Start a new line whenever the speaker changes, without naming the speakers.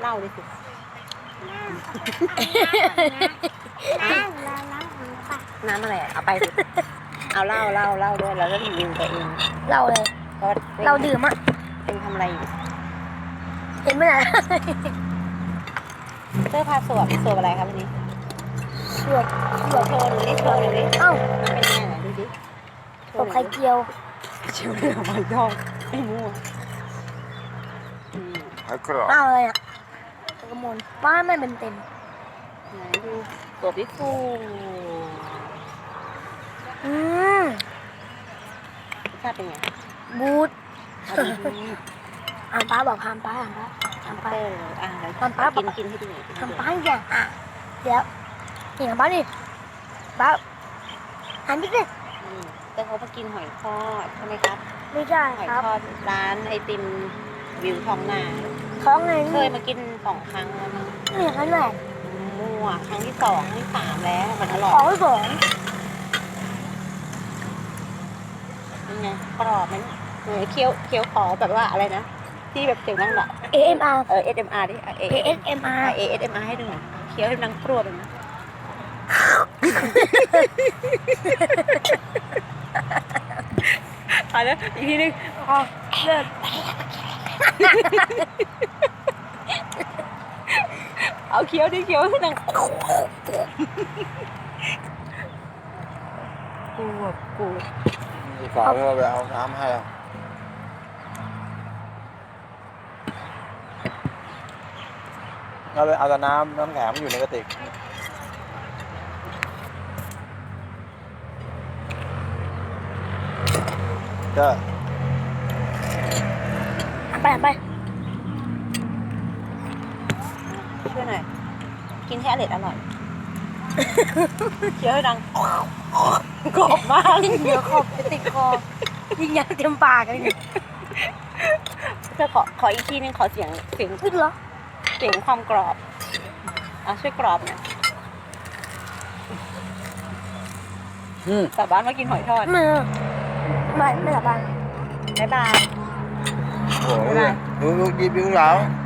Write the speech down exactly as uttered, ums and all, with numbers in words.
เล่าดิสิ
น้ำน้ำน้ำของปะ
น้ำอะไรเอาไปสิเอาเล่าเล่าเล่าด้วยแล้วก็รีวิวตัวเอง
เราเลย
ก็
เราดื่มอ่ะ
เองทำอะไรอยู่
เห็นไหมล่ะ
เสื้อผ้าสวมสวมอะไรครับวันนี้
สวดสวด
โชว์ดูดิโชว์ดูดิ
เอ้า
มันเป็นยังไงไหนดูดิ
สวดไข่เจียว
เจียวเดียวมันย่องไอ้มั่ว
ไข่กรอบ
เอ้าอะไรอ่ะตะกมลป้าไม่เป็นเต็ม
ไหนดูตัวพี่ฟู
อืม
รสชาติเป็นไง
บูด
เอาดี
อ่านป้าบอกห้ามป้าห้ามป้า
ๆ
ห้าม
ทำ
ป้า
เป้เลยอ่ะเดี๋ยว
ตอนป้า
กินกินให้ดูหน่อย
ห้ามป้าอย่างอ่ะเดี๋ยวนี่ของป้านี่ป้าหันไปสิ
อืมแต่เขามากินหอยทอดใช่ไหมครับ
ไม่ใช่
หอย
ครับ
ทอดร้านไอติมวิวทองนา
ท้องไง
เคยมากินสองครั้งแล้วมั้ง
นี่อย่างนั้นแหละ
มั่วครั้งที่สองครั้งที่สามแล้วมันอร่อ
ขอย งสอง
เป็นไงกรอบไหมเออเคี้ยวเคี้ยวขอแบบว่าอะไรนะที่แบบเสียงดังแบบ
เอเอ็มอาร์
เออ เอส เอ็ม อาร์ ดิ
เอเอสเอ็มอาร์
เอ เอส เอ็ม อาร์ ให้ดูหน่อยเคี้ยวให้มันดังกรวดเลยนะตายแล้วอีกทีนึงอ๋อเลิศเอาเคี้ยวดิเคี้ยวให้ดังกูแบบกู
มีฝาเพื่อไปเอาน้ำให้เอาเอาไปเอาแต่น้ำน้ำแข็งมันอยู่ในกระติกก็
ไปไป
ช่วยหน่อยกินให้อร่อยอร่อยเคี้ยวให้ดังกรอบมาก
เดี๋ยวขอบจะติดคอยิงยางเต็มปากเลยเนี่ย
จะขอขออีกทีนึงขอเสียงเสียง
ขึ้นเหรอ
เสียงความกรอบอ่ะช่วยกรอบหน่อย
อืม
กลับบ้านมากินหอยทอด
ไม่ไม่ไม่หลับบ้าน
บ๊ายบาย
โอ้ยดูดูดีวิวแล้ว